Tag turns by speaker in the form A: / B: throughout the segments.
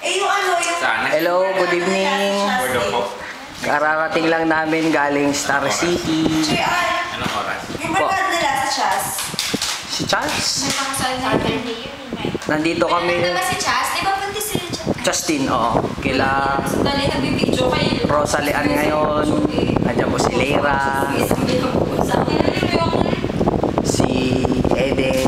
A: yung ano, yung...
B: Hello, good evening. Kararating lang namin galing Star City.
A: Anong oras? Yung barkada nila sa Chas.
B: Si Chas?
C: May pakasal na Saturday yun.
B: Nandito kami.
C: Ano ba si Chas? Di ba punti si Chas?
B: Justin, oo. Kila
C: Sandali, nagbibidyo kayo.
B: Rosalian ngayon. Nandiyan po si Leira. Si Eden.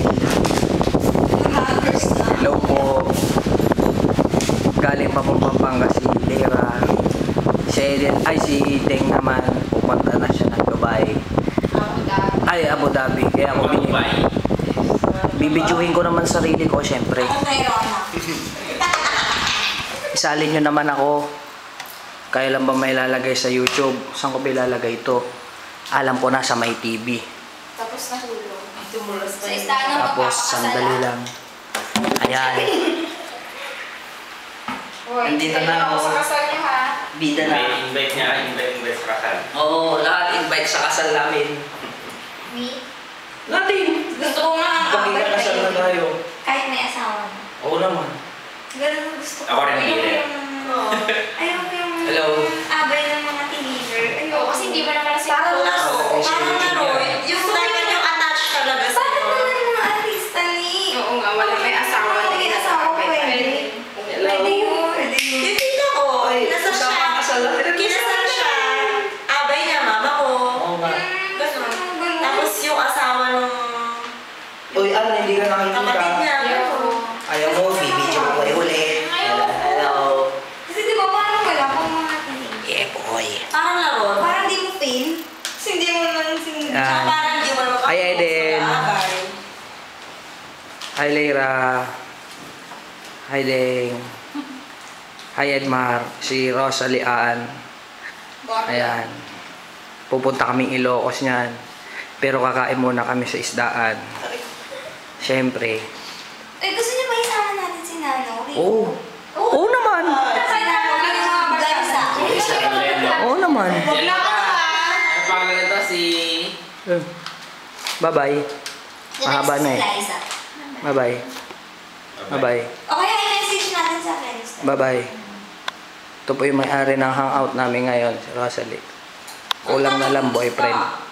B: Hello po. Galing pa po Pampanga si Leira. Si Eden, ay si Deng naman. Pupunta na siya ng Dubai. Ay, Abu Dhabi. Kaya ako bibidyohin ko naman sarili ko, syempre.
A: Ako mayroon na.
B: Isalin nyo naman ako. Kailan ba may lalagay sa YouTube? Saan ko ba ilalagay ito? Alam ko na sa may TV.
C: Tapos nahulog.
A: Tumulos
C: Sa istana
B: Tapos, sandali lang. Ayan. Nandito na ako.
C: Sa kasal niya ha.
B: Bida na.
D: Invite niya, invite sa kasal.
B: Oo, lahat invite sa kasal namin.
C: Me?
B: Natin.
C: Gusto ko nga ang
B: Pag kasal na tayo.
C: Kahit may asawa na.
B: Oo naman.
A: Ganun ang gusto ko.
D: Ako rin hindi eh.
A: Ayoko yung...
B: Hello.
A: Abay ng mga teenager.
C: Oo, kasi hindi ba naman kasi
A: Parang laro.
B: Oo,
A: Parang laro. Yung dapat yung attached talaga sa
C: Bakit
A: iyo.
C: naman
A: mga artista ni?
C: Oo nga, wala may asawa.
A: Oo, may asawa, pwede. Pwede yun. Yung tita ko, kinasal siya. Kinasal siya. Abay niya, mama ko.
B: Oo nga.
A: Ganun. Tapos yung asawa nung
B: Uy, ano, hindi ka
A: kapatid
B: nakikita.
A: niya.
B: Ayaw mo, bibidyo ko kayo ulit. Hello.
A: Kasi di ba parang wala pang mga teenager?
B: Yeah, boy.
A: Parang laro. Parang di mo feel. Kasi hindi mo naman
B: Ah.
A: parang di mo naman
B: Ay, Eden.
A: abay.
B: Hi, Leira. Hi, Deng. Hi, Edmar. Si Rosalian. Ayan. Pupunta kaming Ilocos niyan. Pero kakain muna kami sa isdaan. Siyempre.
A: Eh, gusto niyo ba isama natin si Nano?
B: Oo. Oo naman.
A: Si Nano, yung mga barsa.
B: Oo naman.
A: Wag na ako ha.
D: Ano pangalan nito? Si...
B: Bye-bye. Mahaba na eh.
A: Liza.
B: Bye-bye. Bye-bye.
A: Okay, i-message natin sa friends.
B: Bye-bye. Ito po yung may-ari ng hangout namin ngayon, si Rosalie. Kulang na lang boyfriend.